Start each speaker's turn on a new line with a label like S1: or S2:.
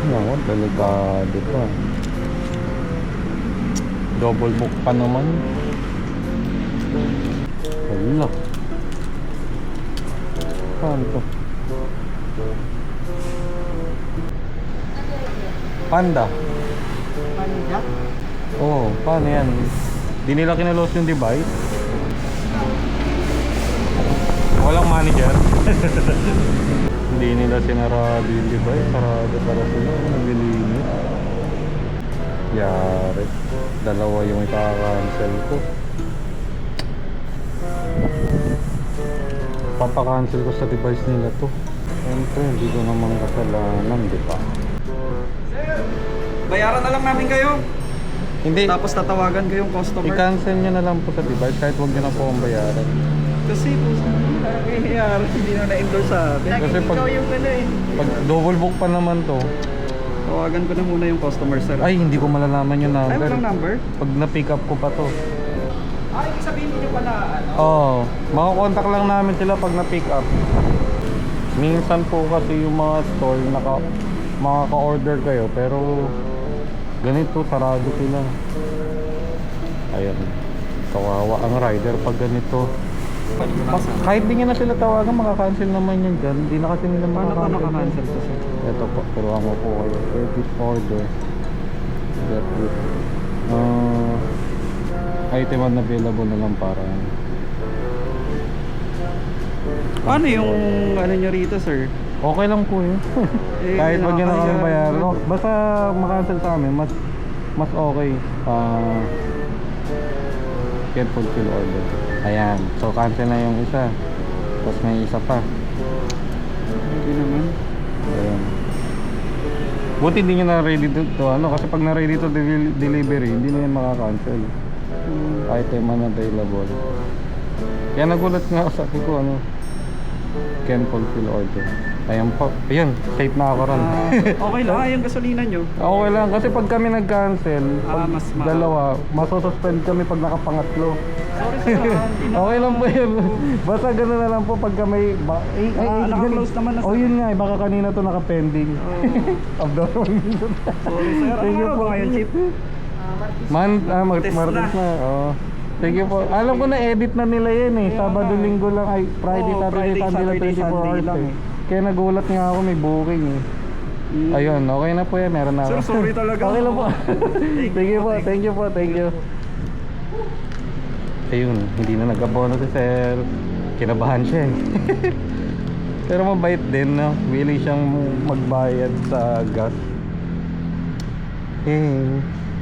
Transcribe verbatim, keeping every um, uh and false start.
S1: Naku, delikado pa. Double book pa naman. Wala. Paano to? Panda.
S2: Panda?
S1: Oo, oh, paano yan? Di nila kinalos yung device? Walang manager? Hindi nila sinarado yung device. Sarado para sila. Naglilinis. Yari. Dalawa yung ika-cancel ko. Papakancel ko sa device nila to. Siyempre, hindi ko naman kasalanan, di ba?
S2: Sir, bayaran na lang namin kayo.
S1: Hindi.
S2: Tapos tatawagan ko yung customer.
S1: I-cancel nyo na lang po sa device kahit huwag nyo na po ang bayaran.
S2: Kasi po, nangyayari, hindi na na-endorse sa akin.
S1: Kasi pag,
S2: Ikaw yung ano eh.
S1: pag double book pa naman to,
S2: Tawagan ko na muna yung customer, sir.
S1: ay hindi ko malalaman yung
S2: Ay,
S1: number.
S2: walang number?
S1: Pag na-pick up ko pa to.
S2: Ah, ibig sabihin nyo pala, ano?
S1: Oo, oh, makakontak lang namin sila pag na-pick up. Minsan po kasi yung mga store, naka, makaka-order kayo, pero ganito, sarado sila. Ayan, kawawa ang rider pag ganito. Pa- kahit di nyo na sila tawagan, makakancel naman yan dyan. Hindi na kasi nila
S2: Paano ka
S1: makakancel.
S2: makakancel to, sir?
S1: Ito po, turuan ko po kayo. Edit order. Get it. Uh, item unavailable na lang para.
S2: Paano yung ano nyo rito, sir?
S1: Okay lang po yun.
S2: Eh,
S1: Kahit wag nyo na kami
S2: nakakaya
S1: bayaran.
S2: naman.
S1: No, basta makancel sa amin, mas mas okay. Uh, get fulfill order. Ayan. So cancel na yung isa. Tapos may isa pa.
S2: Hindi naman.
S1: Ayan. Buti hindi nyo na ready to, to ano, kasi pag na ready to del- delivery, hindi na yan makakancel.
S2: Hmm.
S1: Item unavailable. Kaya nagulat nga ako, sabi ko ano, can fulfill order. Ayan po. Ayan, safe na ako ron.
S2: Ah, okay lang, ah, yung gasolina nyo.
S1: Okay lang, kasi pag kami nag-cancel, pag
S2: Ah, mas ma-
S1: dalawa, masususpend kami pag nakapangatlo.
S2: Sorry, sir. ah, hindi na-
S1: Okay lang po yun. Basta gano'n na lang po pagka may... Ba eh,
S2: Ah,
S1: ay,
S2: naka-close naman na,
S1: oh,
S2: sir.
S1: yun nga, eh, baka kanina to naka-pending.
S2: Oh.
S1: Abnormal.
S2: Sorry, sir.
S1: Thank you
S2: Ano
S1: po.
S2: ba ngayon, Chip?
S1: Man, ah, mag
S2: Test
S1: Martes
S2: na.
S1: na. Oh. Thank you po. Alam ko na edit na nila yan eh.
S2: Kaya
S1: Sabado,
S2: nga.
S1: linggo lang ay Friday,
S2: Oo,
S1: Saturday,
S2: Friday,
S1: Sunday lang
S2: Saturday,
S1: twenty-four
S2: Sunday
S1: hours
S2: lang
S1: eh.
S2: eh.
S1: Kaya nagulat nga ako may booking eh.
S2: Mm.
S1: Ayun, okay na po yan. Meron na ako.
S2: Sir, sorry talaga.
S1: Okay lang po.
S2: Thank
S1: Thank you
S2: you
S1: po.
S2: po,
S1: Thank you po. Thank you. Ayun, hindi na nag-abono si sir. Kinabahan siya eh. Pero mabait din, no? Willing siyang magbayad sa gas. Eh,